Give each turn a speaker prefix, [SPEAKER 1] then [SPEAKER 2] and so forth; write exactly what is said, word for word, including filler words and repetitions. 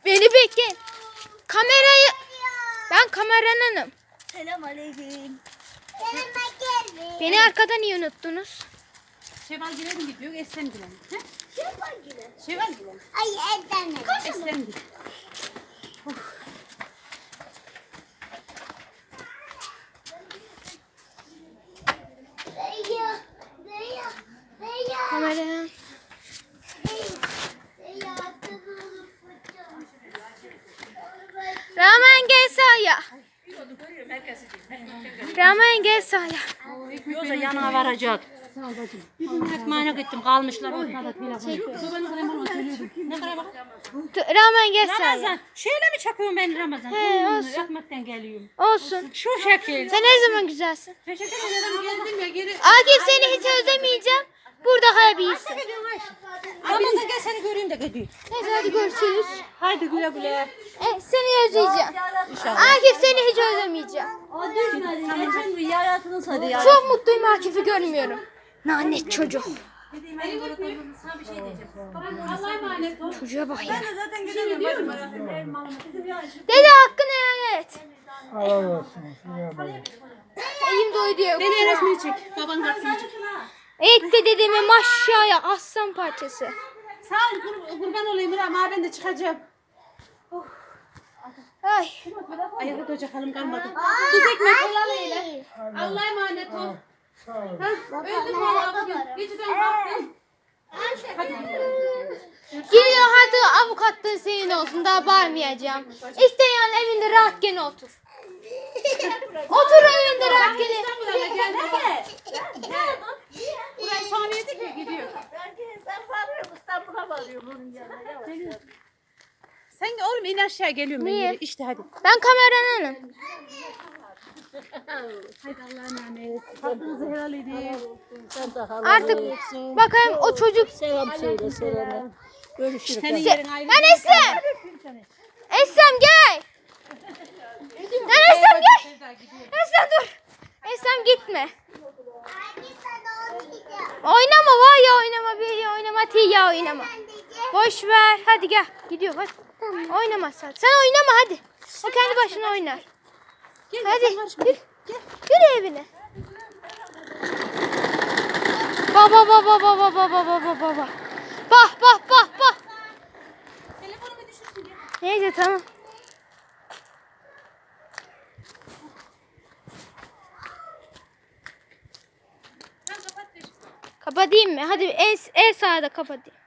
[SPEAKER 1] Beni bekleyin. Kamerayı... Ben kameranınım.
[SPEAKER 2] Selam aleyküm.
[SPEAKER 1] Beni arkadan niye unuttunuz?
[SPEAKER 3] Şevval Gülen gidiyor, Eslem Gülen.
[SPEAKER 2] Şevval Gülen.
[SPEAKER 3] Şevval Gülen.
[SPEAKER 2] Ay Erdem.
[SPEAKER 3] Eslem Gülen.
[SPEAKER 2] Zeya. Zeya. Zeya.
[SPEAKER 1] Kameranın.
[SPEAKER 2] Zeya.
[SPEAKER 1] Rahman gel sahaya. Rahman gel sahaya.
[SPEAKER 3] Yoksa yanına varacak. Ekmeğine gittim, kalmışlar ortada telefon. Ne kadar bak?
[SPEAKER 1] T- Rahman gel sahaya.
[SPEAKER 3] Ramazan, şöyle mi çakıyorum ben Ramazan?
[SPEAKER 1] He,
[SPEAKER 3] Hmm,
[SPEAKER 1] olsun.
[SPEAKER 3] Ekmekten geliyorum.
[SPEAKER 1] Olsun.
[SPEAKER 3] Şu şekil.
[SPEAKER 1] Sen her zaman güzelsin.
[SPEAKER 3] Teşekkür ederim, geldim ya geri.
[SPEAKER 1] Akif seni hiç özlemeyeceğim. Burada kalabilirsin.
[SPEAKER 3] Ramazan gel seni göreyim de gideyim.
[SPEAKER 1] Neyse hadi görüşürüz.
[SPEAKER 3] Haydi güle güle.
[SPEAKER 1] E, seni özleyeceğim. Akif seni hiç özlemeyeceğim.
[SPEAKER 2] O düşmedi. Geçen gün yaratını sarı ya.
[SPEAKER 1] Çok mutluyum Akif'i görmüyorum. Lanet çocuk.
[SPEAKER 3] Sana bir şey diyeceğim. Allah'a emanet ol.
[SPEAKER 1] Çocuğa bak ya.
[SPEAKER 3] Zaten gidiyorum.
[SPEAKER 1] Dede hakkını helal et.
[SPEAKER 4] Allah olsun. Ya böyle.
[SPEAKER 1] Elim doydu.
[SPEAKER 3] Beni resmini çek. Baban karşısına çek.
[SPEAKER 1] Etti dedeme maşaya aslan parçası.
[SPEAKER 3] Sağ ol kur, kurban olayım Rahman, ben de çıkacağım.
[SPEAKER 1] Ay.
[SPEAKER 3] Ayakta duracak halim kalmadı. Tuz ekmek helal eyle. Allah'a emanet ol.
[SPEAKER 4] Sağ ol.
[SPEAKER 3] Ha, öldüm valla bugün. Geceden kalktım. Hadi.
[SPEAKER 1] Gidiyor hadi avukatlığın senin olsun daha bağırmayacağım. İsteyen evinde rahat gene otur. Otur evinde rahat gene.
[SPEAKER 3] İstanbul'a gel. Burayı sonra yedik mi gidiyor.
[SPEAKER 2] Ben varıyorum İstanbul'a varıyorum bunun yanına.
[SPEAKER 3] Sen oğlum in aşağı geliyorum ben
[SPEAKER 1] Niye?
[SPEAKER 3] yere. İşte hadi.
[SPEAKER 1] Ben kameranınım.
[SPEAKER 3] Hadi Allah'a emanet. Hakkınızı helal edin.
[SPEAKER 1] Artık bakayım o çocuk.
[SPEAKER 2] Selam söyle selam. Görüşürüz.
[SPEAKER 3] Senin yerin ayrı.
[SPEAKER 1] Lan Eslem. Eslem gel. Lan Eslem gel. Eslem dur. Eslem gitme. Oynama var ya oynama bir ya oynama ti ya oynama. Boş ver. Hadi gel. Gidiyor hadi. Oynama sen. Sen oynama hadi. O kendi başına oynar.
[SPEAKER 3] Gel,
[SPEAKER 1] Hadi
[SPEAKER 3] sen karışma.
[SPEAKER 1] yürü. Yürü evine. Baba baba baba baba baba baba. Bah bah bah bah.
[SPEAKER 3] Telefonumu düşürsün ya.
[SPEAKER 1] Neyse tamam.
[SPEAKER 3] Sen kapat da.
[SPEAKER 1] Kapatayım mı? Hadi en, en sağda kapatayım.